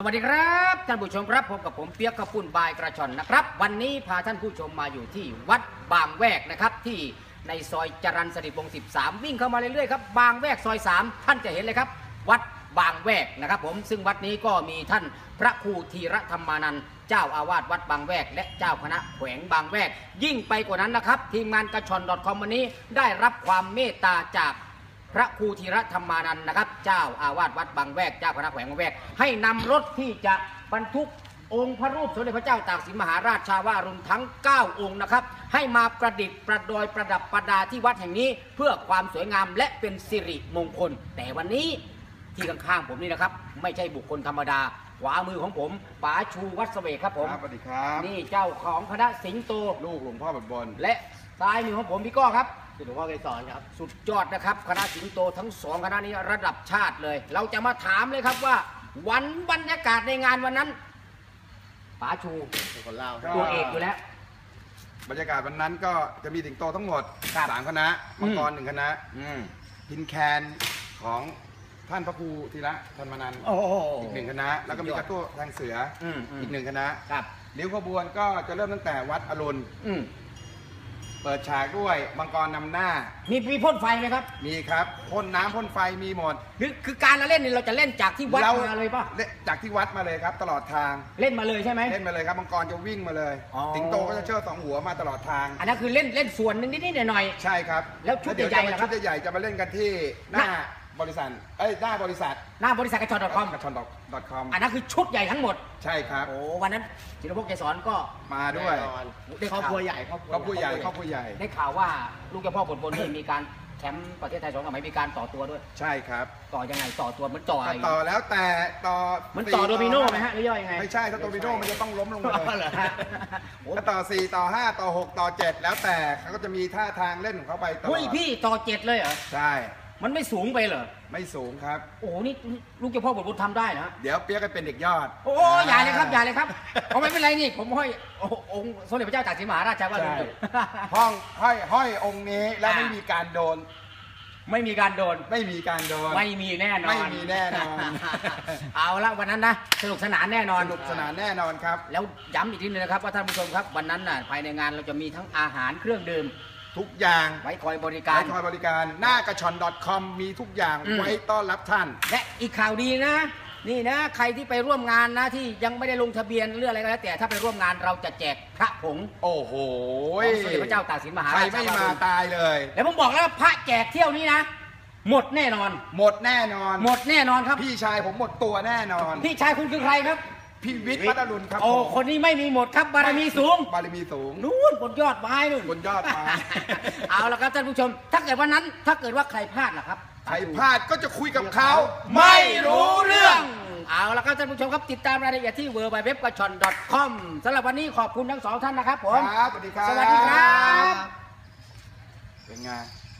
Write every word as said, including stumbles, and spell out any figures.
สวัสดีครับท่านผู้ชมครับพบกับผมเปียกกระปุ่นบายกระชอนนะครับวันนี้พาท่านผู้ชมมาอยู่ที่วัดบางแวกนะครับที่ในซอยจรัญสนิทวงศ์สิบสามวิ่งเข้ามาเรื่อยๆครับบางแวกซอยสามท่านจะเห็นเลยครับวัดบางแวกนะครับผมซึ่งวัดนี้ก็มีท่านพระครูธีรธรรมานันท์เจ้าอาวาสวัดบางแวกและเจ้าคณะแขวงบางแวกยิ่งไปกว่านั้นนะครับทีมงานกระชอน .com วันนี้ได้รับความเมตตาจากพระครูธีรธรรมานันท์นะครับเจ้าอาวาสวัดบางแวกเจ้าคณะแขวงบางแวกให้นำรถที่จะบรรทุกองค์พระรูปสมเด็จพระเจ้าตากสินมหาราชชาวารุณทั้งเก้าองค์นะครับให้มาประดิษฐ์ประดอยประดับประดาที่วัดแห่งนี้เพื่อความสวยงามและเป็นสิริมงคลแต่วันนี้ที่ข้างๆผมนี่นะครับไม่ใช่บุคคลธรรมดาขวามือของผมป๋าชูวัดเสวกครับผมสวัสดีครับนี่เจ้าของคณะสิงโตลูกหลวงพ่อบดบนและซ้ายมือของผมพี่ก้อครับหลวงพ่อเกศรครับสุดยอดนะครับคณะสิงโตทั้งสองคณะนี้ระดับชาติเลยเราจะมาถามเลยครับว่าวันบรรยากาศในงานวันนั้นป๋าชูคนเล่าตัวเอกอยู่แล้วบรรยากาศวันนั้นก็จะมีสิงโตทั้งหมดสามคณะมังกรหนึ่งคณะพินแคนของท่านพระครูธีระธรรมานันท์อีกหนึ่งคณะแล้วก็มีกระตั้วทางเสืออีกหนึ่งคณะริ้วขบวนก็จะเริ่มตั้งแต่วัดอรุณเปิดฉากด้วยมังกรนำหน้ามีมีพ่นไฟไหมครับมีครับพ่นน้ำพ่นไฟมีหมดคือคือการเราเล่นเนี่ยเราจะเล่นจากที่วัดมาเลยป่ะจากที่วัดมาเลยครับตลอดทางเล่นมาเลยใช่ไหมเล่นมาเลยครับมังกรจะวิ่งมาเลยสิงโตก็จะเชิดสองหัวมาตลอดทางอันนั้นคือเล่นเล่นส่วนนึงนิดๆหน่อยๆใช่ครับแล้วชุดใหญ่ๆชุดใหญ่จะมาเล่นกันที่หน้าบริษัทเอ้ยหน้าบริษัทหน้าบริษัทกระชอน .com กระชอน .com อันนั้นคือชุดใหญ่ทั้งหมดใช่ครับโอ้วันนั้นจิรพงษ์เกษรก็มาด้วยครอบครัวใหญ่ครอบครัวใหญ่ครอบครัวใหญ่ได้ข่าวว่าลูกเจ้าพ่อบทบนนี่มีการแชมป์ประเทศไทยสองสมัยมีการต่อตัวด้วยใช่ครับต่อยังไงต่อตัวมันต่อต่อแล้วแต่ต่อมันต่อโดมิโน่ไหมฮะหรือย่อยยังไงไม่ใช่ถ้าโดมิโน่มันจะต้องล้มลงมาเลยถ้าต่อสี่ต่อห้าต่อหกต่อเจ็ดแล้วแต่เขาก็จะมีท่าทางเล่นของเขาไปตลอดเฮ้ยพี่ต่อเจ็ดเลยเหรอใช่มันไม่สูงไปเหรอไม่สูงครับโอ้นี่ลูกเจ้าพ่อบทบุญทำได้นะเดี๋ยวเปี๊ยกก็เป็นเด็กยอดโอ้อย่าเลยครับอย่าเลยครับผมไม่เป็นไรนี่ผมห้อยองค์สมเด็จพระเจ้าตากสินมหาราชชาวารุณห้องห้อยห้อยองค์นี้แล้วไม่มีการโดนไม่มีการโดนไม่มีการโดนไม่มีแน่นอนไม่มีแน่นอนเอาละวันนั้นนะสนุกสนานแน่นอนสนุกสนานแน่นอนครับแล้วย้ำอีกทีนึงนะครับว่าท่านผู้ชมครับวันนั้นน่ะภายในงานเราจะมีทั้งอาหารเครื่องดื่มทุกอย่างไว้คอยบริการไว้คอยบริการหน้ากระชอน .com มีทุกอย่างไว้ต้อนรับท่านและอีกข่าวดีนะนี่นะใครที่ไปร่วมงานนะที่ยังไม่ได้ลงทะเบียนเรื่องอะไรก็แล้วแต่ถ้าไปร่วมงานเราจะแจกพระผงโอ้โหสมเด็จพระเจ้าตากสินมหาราชใครไม่มาตายเลยแล้วผมบอกแล้วพระแจกเที่ยวนี้นะหมดแน่นอนหมดแน่นอนหมดแน่นอนครับพี่ชายผมหมดตัวแน่นอนพี่ชายคุณคือใครครับพี่วิทย์วัดอรุณครับโอ้คนนี้ไม่มีหมดครับบารมีสูงบารมีสูงนู่นบนยอดไม้นู่นบนยอดไม้เอาละครับท่านผู้ชมถ้าเกิดวันนั้นถ้าเกิดว่าใครพลาดล่ะครับใครพลาดก็จะคุยกับเขาไม่รู้เรื่องเอาละครับท่านผู้ชมครับติดตามรายละเอียดที่ ดับเบิลยู ดับเบิลยู ดับเบิลยู ดอท กระชอน ดอท คอม สำหรับวันนี้ขอบคุณทั้งสองท่านนะครับผมครับสวัสดีครับสวัสดีครับเป็นไง